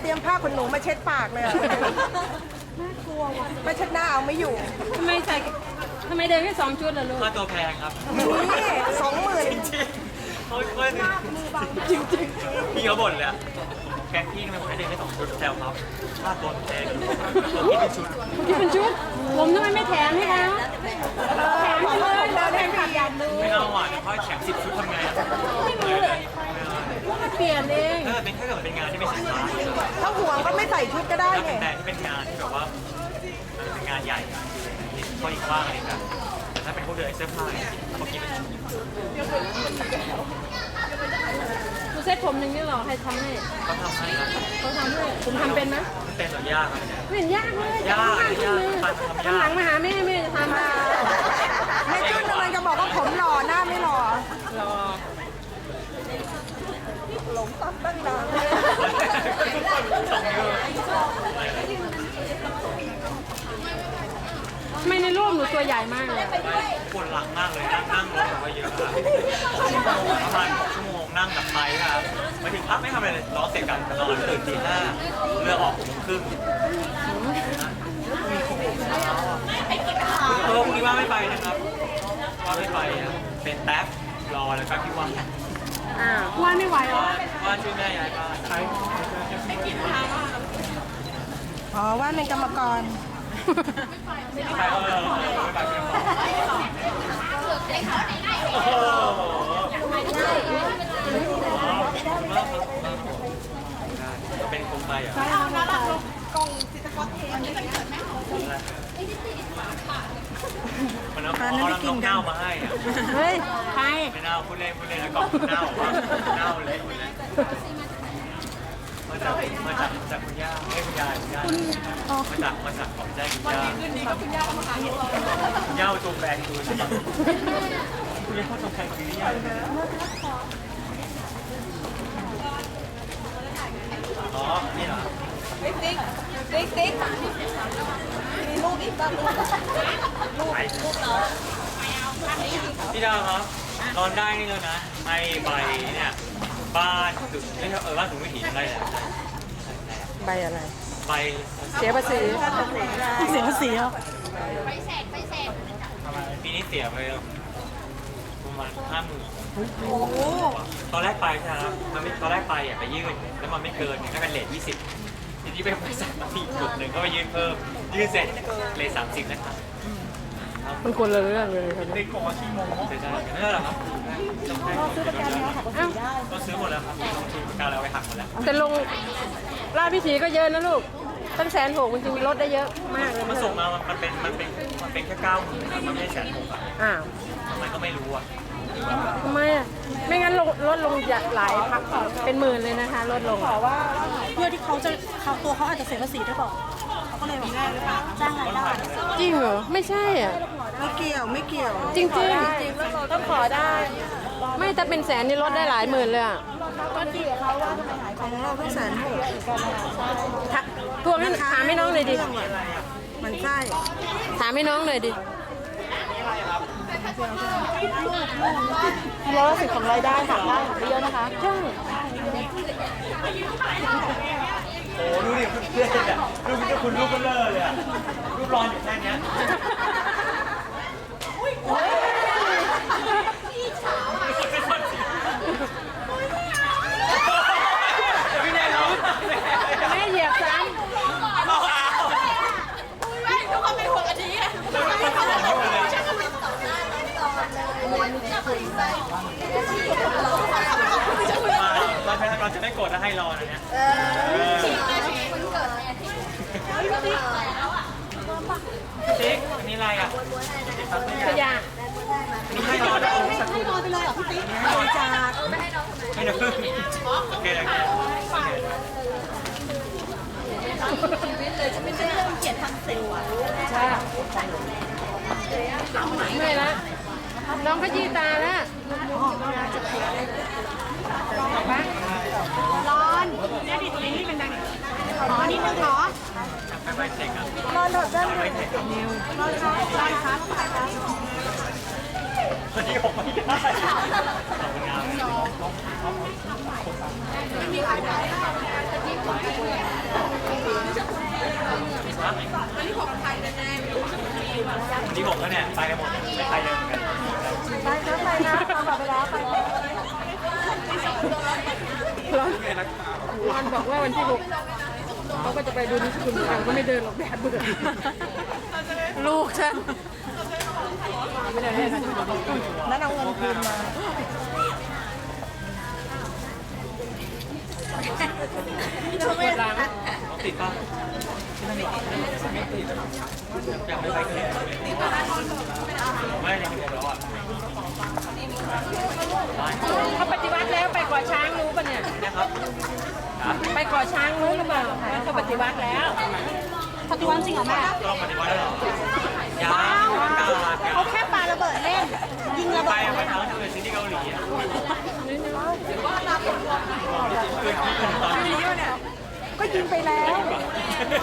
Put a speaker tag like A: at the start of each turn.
A: เตรียมผ้าขนหนูมาเช็ดปากเลยน่ากลัวว่ะมาเช็ดหน้าเอาไม่อยู่
B: ทำไมเดินแค่2 ชุดล่ะลูก
C: ค่าตัวแพงครับ
A: นี่20,000
C: จริงเขาจริงพี่เขาบ่นเลยอะแกพี่ทำไมผมได้เดินแค่2 ชุดแซวครับค่าตัวแพงตัวคิดเป็นชุด
B: คิดเป็นชุดผมทำไมไม่แถมให้เขาแถมไปเลย
A: เดินแข่งขันยันดู
C: ไม่เอาอ่ะเพราะแถม10 ชุดทำไงอะ
B: เปลี่ยนเอง
C: ถ้าเกิดเป็นงานที่ไม่ใช่งาน
A: ถ้าห่วงก็ไม่ใส่ชุดก็ได้ไง
C: แต่ที่เป็นงานที่แบบว่าเป็นงานใหญ่เขาอีกว่างอะไรกันแต่ถ้าเป็นพวกเดินเสื้อผ้าเขาคิดเป็นชุด
B: ดูเซ็ตผมหนึ่งนี่หรอใครทำให้
C: เขาทำให้ครับ
B: เขาทำให้คุณทำเป็นไหม
C: เป็นหรือยากครับ
B: ไม่เห็นยากเลย
C: ยาก
B: ทำหลังมาหาแม่จะทำ
A: แม่จุ้นกำลังจะบอกว่าผมหล่อหน้าไม่หล่อหลงตั้งนาน
B: ทำไมในรูปหนูตัวใหญ่มากเลย
C: ปวดหลังมากเลยนั่งรถแบบว่าเยอะประมาณ6 ชั่วโมงนั่งแบบไปครับมาถึงพักไม่ทำอะไรเลยร้องเสร็จกันนอนตื่นตี 5เรือออก6 โมงครึ่งพรุ่งนี้ว่าไม่ไปนะครับว่าไม่ไปเป็นแท็บรอแล้วก็พี่ว่า
B: ว่าไม่ไหวหรอ
C: ว่าช่วยแม่ย้ายบ้านใช่ไม่กินข้าว
A: อ๋อว่าเป็นกรรมกร
C: ไม่ไปไม่ไปเป็นคงไปอ่ะ
A: กล่องสิทธิ์กรเทนไม่เป็นเกิดแม่
C: มันเอาน้องเน่ามาให้อ่ะ
B: เฮ้ยใคร
C: ไม่เน่าพูดเล่นแล้วกล่องเน่าเน่าเลยมาจากคุณย่าคุณยายมาจากของใจคุณย่าวันนี้คืนนี้ก็คุณย่ามาหาเห็ดคุณย่าตัวแบงดูใช่ไหมคุณย่าตัวแบงคุณย่าอ๋อนี่เหรอ
A: ติ๊กมีลูกอีกบ้างลูก
C: พี่ดาวครับนอนได้นี่แล้วนะไอ้ใบเนี่ยบ้านถึงไม่ใช่บ้านถึงวิถีอะไรเนี่ย
A: ใบอะไร
C: ใบ
A: เสียภาษี
B: เหรอ
C: ปีนี้เสียไปประมาณ50,000
A: โอ้โห
C: ตอนแรกไปใช่ไหมครับมันไม่ตอนแรกไปอ่ะไปยื่นแล้วมันไม่เกินให้เป็นเรท20ทีนี้ไปบริษัทมาอีกจุดหนึ่งก็ไปยื่นเพิ่มยื่นเสร็จเรท30นะครับ
B: มันคนละเรื่องเลยครับ
C: ได้ขอที่โมงใช่นั่นแหละครับซื้อประกันแล้วหักภาษีได้ก็ซื้อหมดแล้วครับซื้อประกันแล้วไปหักหมดแล้ว
B: แต่ลงราชวิถีก็เยอะนะลูกตั้ง160,000จริงๆลดได้เยอะมากเลย
C: มันส่งมามันเป็นแค่90,000มันไม่ใช่160,000มันก็ไม่รู้อ่ะ
B: ทำไมอ่ะไม่งั้นลดลงหลายพักเป็นหมื่นเลยนะคะลดลง
A: ขอว่าเพื่อที่ตัวเขาอาจจะเสียภาษีด้วยเปล่าเขาก็เลยบอกได้หรือเปล่าจ้างรายได้
B: จริงเหรอไม่ใช่อ่ะ
A: ไม่เกี่ยว
B: จริงต้องขอได้ไม่ถ้าเป็นแสนนี่ลดได้หลายหมื่นเลยอ่ะ
A: ก็ดีเขาว่าทำไมหายของเราต้อง160,000
B: พวกนั้นถามให้น้องเลยดิ
A: มันใช่
B: ถามให้น้องเลยดิ
A: 110ของรายได้หักได้หักเยอะนะคะ
B: ใช่
C: โอ้ดูดิเพื่อนอ่ะรูปนี้คุณรูปเบลอเลยอ่ะรูปร้อนอยู่แค่นี้
B: ไม่เหยียบซ้ำ
A: ไม่ทุกคนเป็นห่วงอันนี้
C: เราจะไม่กดแล้วให้รอนะเนี่ยติ๊กอันนี้อะไรอ่ะ
B: ขยะ
C: นี่ให้รอนะ
A: ให้รอไปเลยเหรอพี่ติ๊กให้จาก
C: ให้เดี๋ยวโอเคเลย
A: ชีวิตเลยจะไม่ใช่เรื่องเกียรติทางเซลล์อ่ะ
B: ใช่ไม่ละน้องขยี้ตาแล้ว
A: ร้อนเนี่ยดิตรงนี้เป็นดังขอนิดนึงขอ
C: ไปเช็คอ่ะ
A: นอนถอดเสื้อเลยนอนครับ
C: วันนี้ผมไม่ได้ขอบคุณครับ
A: ไม่มีใครได้
C: อันนี้ผมไทยแน่ๆอันนี้ผมก็เนี่ยไปกันหมดไม่ไทยเลยเหมือนกัน
A: ไปนะไปนะตามแบบไปแล้วไป
B: ร้อนบอกว่าวันที่ 6เขาก็จะไปดูนิสกุลกันก็ไม่เดินหรอกแดดเบื่อลูกฉันไม่ได้ให้ฉัน
A: นั่นเอาเงินคืนมา
B: เปิดร้าน
C: ต้องติดป่ะไม่ติดอยากไม่ไปกันเลยไม่ยังไม่แล้วอ่ะ
B: เขาปฏิวัติแล้วไปก่อช้างรู้ป่ะเนี่ย
C: นะครับ
B: ไปก่อช้างรู้หรือเปล่าว่าเขาปฏิวัติแล้ว
A: ปฏิวัติจริงเหรอแม่
C: ต้องปฏิวัติแล้วเหรอยังก้าวมา
A: เขาแค่ปาระเบิดเล่น ยิงระ
C: ไป
A: เบิด
C: ไปทางที่เป็นซีรีส์เกาหลีอ่ะ
A: ก็ยิงไปแล้ว